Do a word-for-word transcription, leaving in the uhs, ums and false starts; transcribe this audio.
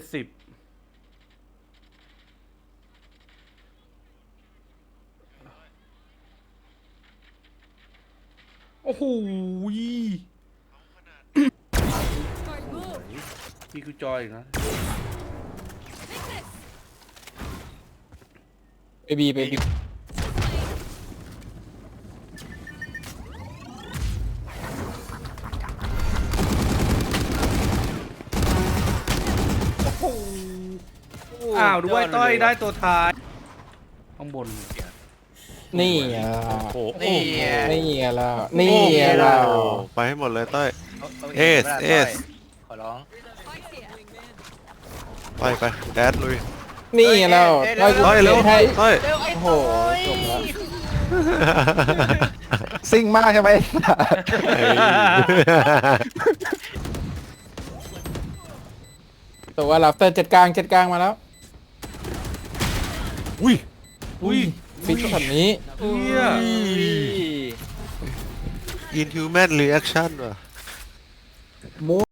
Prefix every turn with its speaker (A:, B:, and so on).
A: สิบโอ้โหมีกูจอยอีกนะ
B: เบบีเบบี
A: อ้าวด้วยต้อยได้ตัวท้ายข้างบน
B: นี่อ่ะ
C: โอ้โห
D: นี่ไง
B: นี่อ่ะแล้วนี่อ่ะ
C: โอ้
B: แล้ว
C: โหไปให้หมดเลยเต้ย
D: าา
C: เอส
D: ห็น
C: เอส
D: ขอร้อง
C: ไปไปแดดลุย
B: นี่อ่ะแล้ว
D: เอ้ย
C: เต้ยเร็ว
B: ให้
C: เต้ย
D: เร็วไอ้
B: โอ้โห
D: โอ้ย
B: จบแล้ว
E: ซิ่งมากใช่ไหม
C: เฮ้ย
B: แต่ว่าลับเตอร์จัดกลางจัดกลางมาแล้ว
C: อุ้ย
A: อุ้ย
B: ฟิกช็อตนี้
A: เฮีย
C: อินฮิวแมนรีแอคชั่นว่ะ
B: มู